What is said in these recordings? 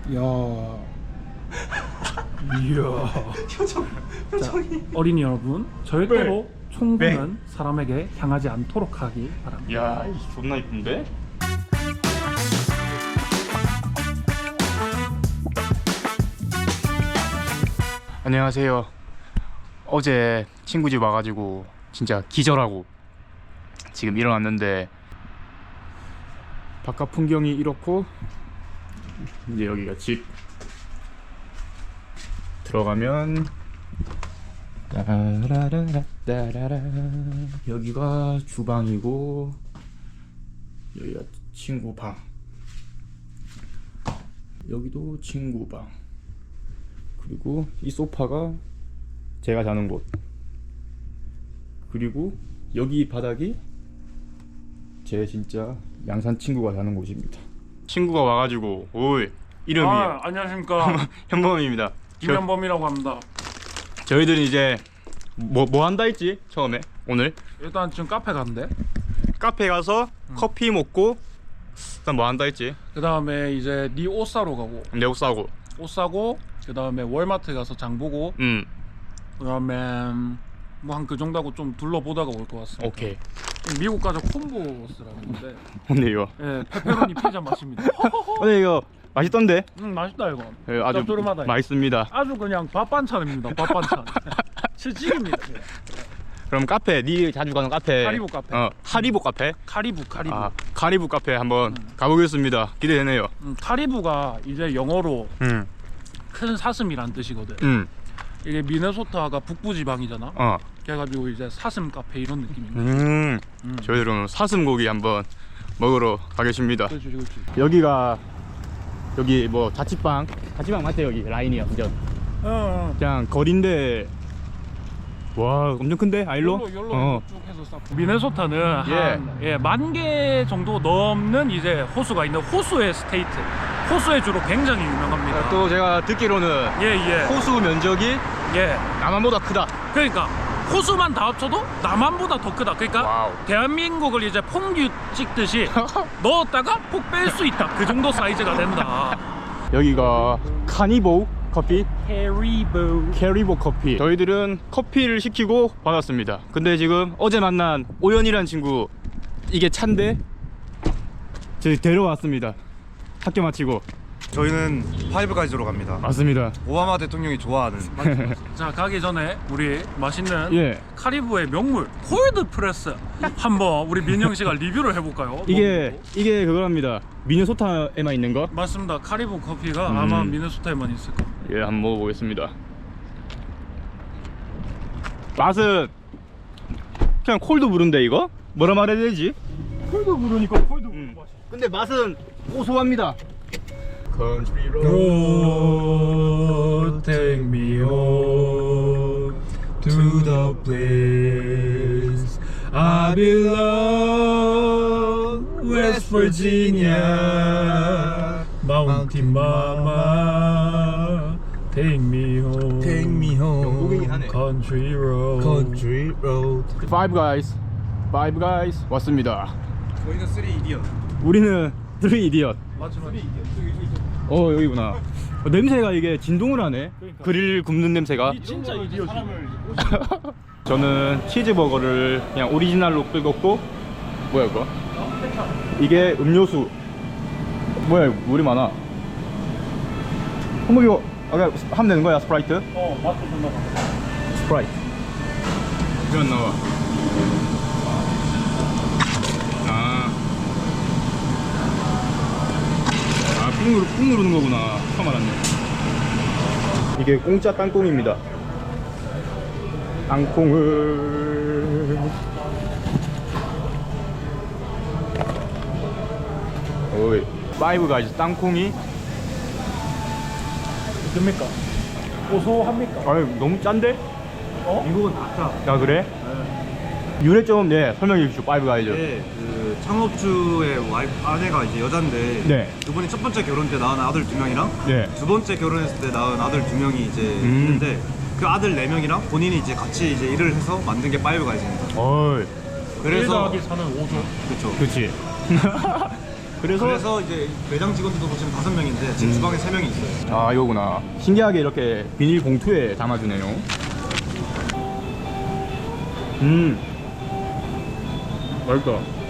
이야. 이야. 표정이. 자, 어린이 여러분, 절대로 총구는 사람에게 향하지 않도록 하기 바랍니다. 야, 존나 이쁜데? 안녕하세요. 어제 친구 집 와가지고 진짜 기절하고 지금 일어났는데 바깥 풍경이 이렇고 이제 여기가 집 들어가면 따라라라따라라. 여기가 주방이고 여기가 친구 방, 여기도 친구 방, 그리고 이 소파가 제가 자는 곳, 그리고 여기 바닥이 제 진짜 양산 친구가 자는 곳입니다. 친구가 와가지고 오이 이름이 안녕하십니까. 현범입니다. 김현범이라고 합니다. 저희들은 이제 뭐 한다 했지 처음에? 오늘 일단 지금 카페 간대. 카페 가서 커피 먹고 일단 뭐 한다 했지? 그 다음에 이제 네 옷 사러 가고, 내 옷 사고 옷 사고, 그 다음에 월마트 가서 장 보고, 그 다음에 뭐 한 그 정도 하고 좀 둘러보다가 올 것 같습니다. 오케이. 미국 가서 콤보스라는데, 근데 이거 예, 페페로니 피자 맛입니다. 근데 이거 맛있던데? 맛있다 이거. 예, 아주 짭조름하다, 이거. 맛있습니다. 아주 그냥 밥 반찬입니다. 밥 반찬. 실직입니다. 예. 그럼 카페, 니 자주 가는 카페 하리보 카페. 하리보 카페? 카리부. 아, 카리브 카페 한번 가보겠습니다. 기대되네요. 카리부가 이제 영어로 큰 사슴이란 뜻이거든. 이게 미네소타가 북부 지방이잖아. 그래가지고 이제 사슴 카페 이런 느낌입니다. 저희들은 사슴고기 한번 먹으러 가겠습니다. 그렇지. 여기가 여기 뭐 자취방 맞대. 여기 라인이야 완전. 그냥 거리인데 와 엄청 큰데 아일로? 열로 쭉 해서 쌓고. 미네소타는 한 10,000개 정도 넘는 이제 호수가 있는 호수의 스테이트. 호수의 주로 굉장히 유명합니다. 또 제가 듣기로는 호수 면적이 남한보다 크다. 그러니까 호수만 다 합쳐도 남한보다 더 크다. 그러니까 와우. 대한민국을 이제 퐁듀 찍듯이 넣었다가 폭 뺄 수 있다. 그 정도 사이즈가 된다. 여기가 카니보 커피? 캐리보 커피. 저희들은 커피를 시키고 받았습니다. 근데 지금 어제 만난 오연이란 친구 이게 차인데 저희 데려왔습니다. 학교 마치고. 저희는 파이브가이즈로 갑니다. 맞습니다. 오바마 대통령이 좋아하는. 자, 가기 전에 우리 맛있는 카리브의 명물 콜드 프레스 한번 우리 민영 씨가 리뷰를 해볼까요? 이게 그거랍니다. 미네소타에만 있는 거? 맞습니다. 카리브 커피가 아마 미네소타에만 있을 거예요. 예, 한번 먹어보겠습니다. 맛은 그냥 콜드 브루인데 이거? 뭐라 말해야 되지? 콜드 부르니까 콜드 부르 맛이. 근데 맛은 고소합니다. Country road, take me home to the place I belong, West Virginia, Mountain Mama, take me home, 영국이긴 하네. Country road. Country road. Five Guys 왔습니다. 저희는 3 이디언. 우리는 Three Idiot. 맞지. 여기구나. 냄새가 이게 진동을 하네. 그러니까. 그릴 굽는 냄새가. 진짜 이디어지. 저는 치즈버거를 그냥 오리지널로 끓였고. 뭐야 이거? 이게 음료수. 뭐야 이거 물이 많아. 한번 이거 아까 하면 되는 거야? 스프라이트? 맛도 존나 많아. 스프라이트. 이거 안 나와. 꾹 누르는 거구나. 처음 알았네. 이게 공짜 땅콩입니다. 땅콩을 오이 파이브 가이즈 땅콩이 됩니까? 고소합니까? 아유 너무 짠데? 미국은 다 짜. 아 그래? 유래점 설명해 주시죠. 파이브 가이즈. 네, 그 창업주의 와이프 아내가 이제 여잔데 그분이 첫 번째 결혼 때 낳은 아들 2명이랑 두 번째 결혼했을 때 낳은 아들 2명이 이제 있는데 그 아들 4명이랑 본인이 이제 같이 이제 일을 해서 만든 게 파이브 가이즈입니다. 어이. 그래서 1 더하기 4는 5죠. 그렇죠. 그렇지. 그래서 이제 매장 직원들도 보시면 5명인데 지금 주방에 3명이 있어요. 아 이거구나. 신기하게 이렇게 비닐 봉투에 담아주네요. 맛있다.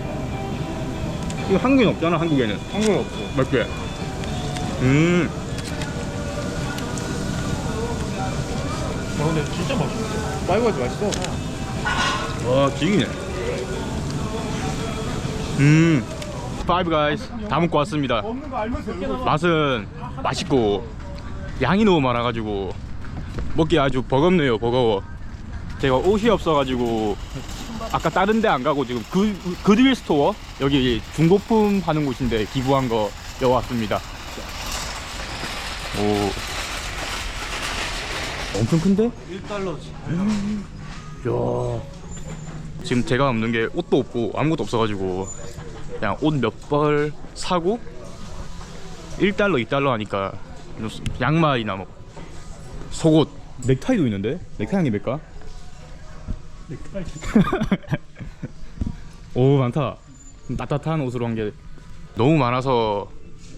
이거 한국엔 없잖아. 한국에는. 한국에 없어. 맞지? 근데 진짜 맛있어. 파이브가이즈 맛있어. 와 지기네. 파이브 가이즈 다 먹고 왔습니다. 맛은 맛있고 양이 너무 많아가지고 먹기 아주 버겁네요. 버거워. 제가 옷이 없어가지고 아까 다른 데 안 가고 지금 그드윌 스토어 여기 중고품 파는 곳인데 기부한 거 여왔습니다. 오 엄청 큰데? 1달러지. 야 지금 제가 없는 게 옷도 없고 아무것도 없어가지고 그냥 옷 몇 벌 사고 1달러 2달러 하니까 양말이나 뭐 속옷 넥타이도 있는데? 넥타이 한개 몇까? 넥타이. 오 많다. 따뜻한 옷으로 한 게 너무 많아서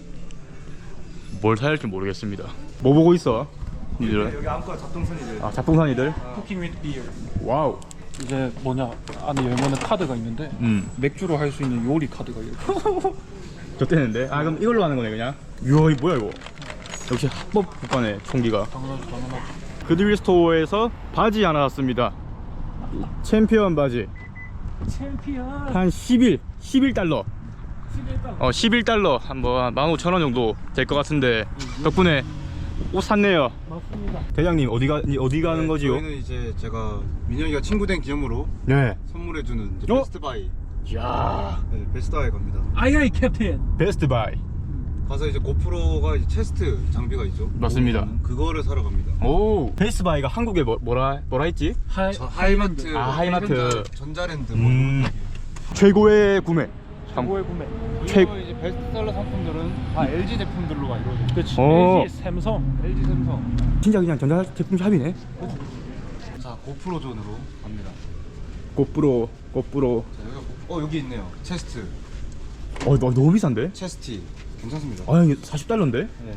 뭘 사야 할지 모르겠습니다. 뭐 보고 있어? 니들은? 여기 안과 잡동선이들. 아 잡동산이들? 쿠킹 위드 비어. 와우. 이제 뭐냐 안에 열면은 카드가 있는데 맥주로 할 수 있는 요리 카드가 이렇게 있어. 졌대는데? 아 그럼 이걸로 하는 거네 그냥? 이야 이 뭐야 이거? 역시 합법 국가네 총기가. 당연하지. 그드윌 스토어에서 바지 하나 샀습니다. 챔피언 바지 챔피언. 한 11달러 11달러 한 뭐 15,000원 정도 될 것 같은데 덕분에 옷 샀네요. 맞습니다. 대장님 어디 가는 거지요? 저희는 이제 제가 민혁이가 친구 된 기념으로 네. 선물해주는 이제 어? 베스트바이. 야 네, 베스트바이 갑니다. 아이아이 캡틴. 베스트 바이. 가서 이제 고프로가 이제 체스트 장비가 있죠. 맞습니다. 그거를 사러 갑니다. 오 베스트 바이가 한국에 뭐라 했지? 하이마트. 아, 하이마트. 전자랜드. 최고의 구매. 최고의 구매. 그리고 이제 베스트셀러 상품들은 다 LG 제품들로가 이루어져. 그렇지. 어. LG 삼성. LG 삼성. 진짜 그냥 전자제품 샵이네. 자, 고프로 존으로 갑니다. 고프로. 자, 여기 있네요. 체스트. 너무 비싼데? 체스티. 괜찮습니다. 아 이게 40달러인데? 네.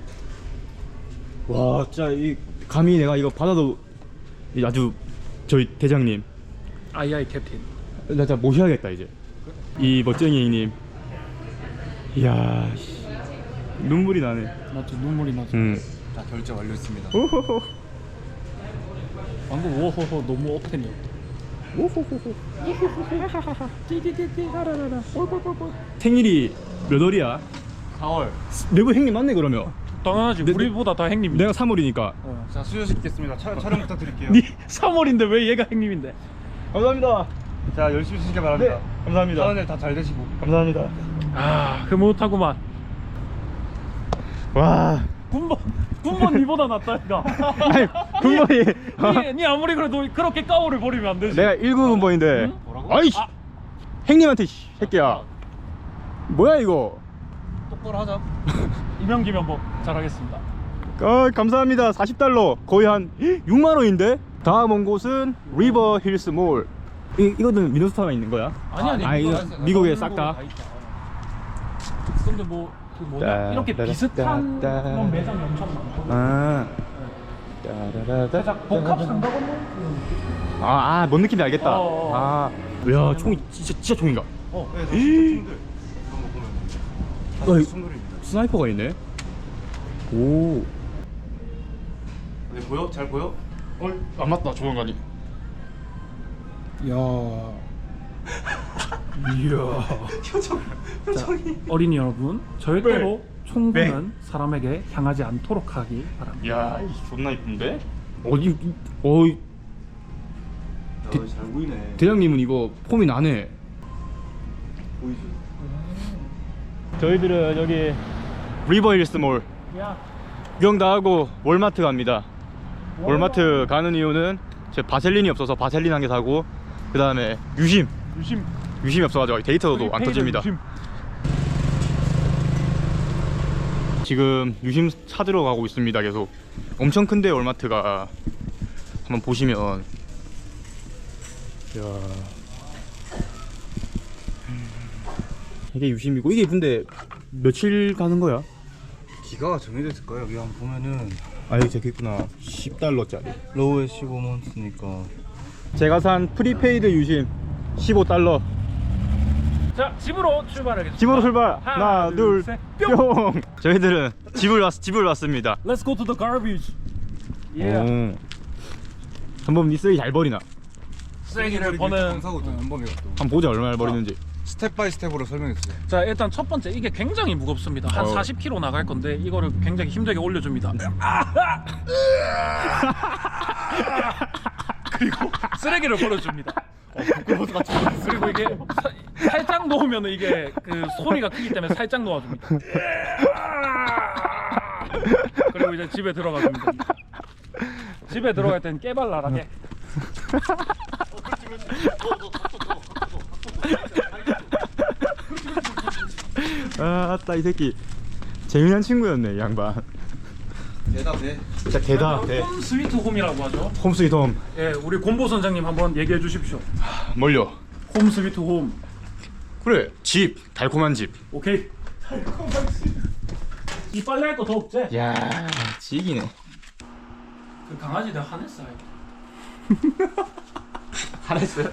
와 진짜 이 감히 내가 이거 받아도 아주 저희 대장님 아이아이 캡틴. 나 진짜 모셔야겠다 이제. 이 멋쟁이님. 이야 씨. 눈물이 나네. 맞지 눈물이 나지. 자, 결제 완료했습니다. 오호호. 방금 오호호 너무 억텐이었다. 오호호호. 띠띠띠띠 하라라라. 꼴꼴꼴꼴. 생일이 몇 월이야? 4월. 내부 형님 맞네 그러면. 당연하지. 우리보다 다 행님이. 내가 3월이니까. 자, 수여시키겠습니다. 촬영 부탁드릴게요. 네 3월인데 왜 얘가 행님인데? 감사합니다. 자, 열심히 쓰시길 바랍니다. 감사합니다. 다음 일 다 잘 되시고. 감사합니다. 아 흐뭇하구만. 와. 군번 니보다 낫다 이가. 아니 군번이. 니 아무리 그래도 그렇게 까오를 버리면 안 되지. 내가 19군번인데. 응? 뭐라고? 아이씨. 아. 행님한테 새끼야. 뭐야 이거? 똑바로 하자. 이명기명복 잘하겠습니다. 감사합니다. 40달러 거의 한 6만원인데. 다음 온 곳은 리버 힐스 몰. 이거는 미네소타가 있는 거야? 아니 이거 미국에 싹 다. 근데 뭐 그 뭐냐 이렇게 비슷한 그런 매장이 엄청 많고. 아. 살짝 복합 상가건물. 뭔 느낌인지 알겠다. 어. 야 총이 진짜 총인가? 네, 저 친구들. 한번 보면. 어이. 다들 친구들입니다. 스나이퍼가 있네. 오. 네, 보여? 잘 보여? 안 맞다 조명관이. 이야. 표정이. 어린이 여러분, 절대로 총구는 사람에게 향하지 않도록 하기 바랍니다. 야, 존나 이쁜데? 잘 보이네. 대장님은 이거 폼이 나네. 보이죠? 저희들은 여기 리버힐스 몰 야, 구경 다 하고 월마트 갑니다. 월마트 가는 이유는 제 바셀린이 없어서 바셀린 한 개 사고, 그 다음에 유심이 없어가지고 데이터도 안 터집니다. 지금 유심 찾으러 가고 있습니다. 계속 엄청 큰데 월마트가. 한번 보시면 이게 유심이고 이게 근데 며칠 가는 거야? 기가가 정해져 있을 거예요. 여기 한번 보면은 아 여기 적혀있구나. 10달러짜리. 로우에 15month니까. 제가 산 프리페이드 유심 15달러. 자, 집으로 출발하겠습니다. 집으로 출발. 하나, 둘, 셋, 뿅. 저희들은 집을 왔습니다. Let's go to the garbage. Yeah. 오. 한번 이 쓰레기 잘 버리나? 쓰레기를 버는. 감사거든 한 번에 또. 한번 보자 얼마나 버리는지. 스텝 바이 스텝으로 설명했어요. 자, 일단 첫 번째 이게 굉장히 무겁습니다. 한 40kg 나갈 건데 이거를 굉장히 힘들게 올려줍니다. 그리고 쓰레기를 버려줍니다. 부끄러워서 같이 그리고 이게 살짝 놓으면 이게 그 소리가 크기 때문에 살짝 놓아줍니다. 그리고 이제 집에 들어가줍니다. 집에 들어갈 땐 깨발랄하게. 아따 이 새끼 재미난 친구였네 이 양반. 대답해. 진짜 개다. 개. 홈 스위트 홈이라고 하죠. 홈 스위트 홈. 예, 우리 곰보 선장님 한번 얘기해 주십시오. 뭘요? 홈 스위트 홈. 그래 집 달콤한 집. 오케이. 이 빨래 할 거 더 없지? 야 지기네. 그 강아지 내가 화냈어요. 잘했어요?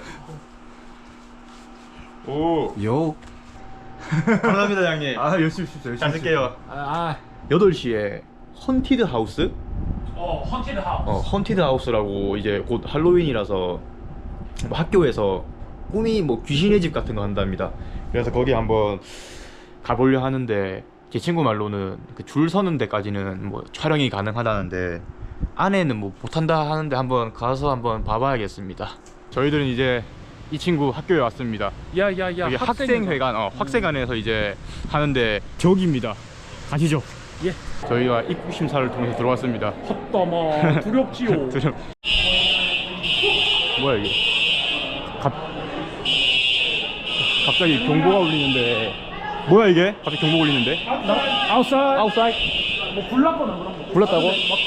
오. 요. 감사합니다 형님. 아 열심히 십시오. 잘 쓸게요. 8시에 헌티드 하우스? 헌티드 하우스. 헌티드 하우스라고 이제 곧 할로윈이라서 뭐 학교에서 꿈이 뭐 귀신의 집 같은 거 한답니다. 그래서 거기 한번 가보려 하는데 제 친구 말로는 그 줄 서는 데까지는 뭐 촬영이 가능하다는데 안에는 뭐 못한다 하는데 한번 가서 한번 봐봐야겠습니다. 저희들은 이제 이 친구 학교에 왔습니다. 야야야. 여기 학생회관, 학생회관에서 이제 하는데 저기입니다. 가시죠. 예. 저희가 입국 심사를 통해서 들어왔습니다. 헛다마 두렵지요. 뭐야 이게? 갑자기 경보가 울리는데 뭐야 이게? 갑자기 경보 울리는데? 아웃사이드. 뭐 불났거나 그런 거. 불났다고?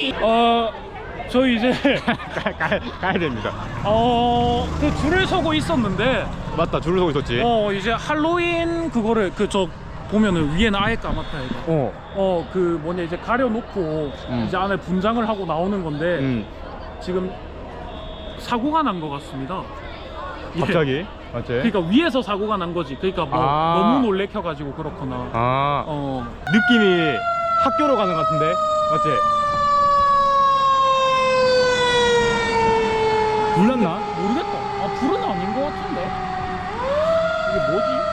저희 이제 가야 됩니다. 그 줄을 서고 있었는데 맞다, 줄을 서고 있었지. 이제 할로윈 그거를 그 저 보면은 위에는 아예 까맣다 이거. 그 뭐냐 이제 가려놓고 이제 안에 분장을 하고 나오는 건데 지금 사고가 난 것 같습니다. 예. 갑자기? 맞지? 그러니까 위에서 사고가 난 거지. 그러니까 뭐 너무 놀래켜가지고 그렇거나. 느낌이 학교로 가는 것 같은데? 맞지? 불났나? 모르겠다. 불은 아닌 것 같은데. 이게 뭐지?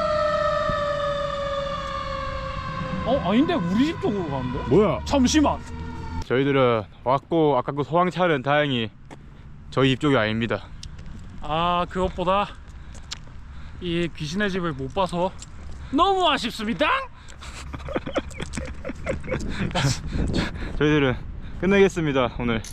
아닌데 우리 집 쪽으로 가는데? 뭐야? 잠시만. 저희들은 왔고 아까 그 소방차는 다행히 저희 집 쪽이 아닙니다. 그것보다 이 귀신의 집을 못 봐서 너무 아쉽습니다. 저희들은 끝내겠습니다 오늘.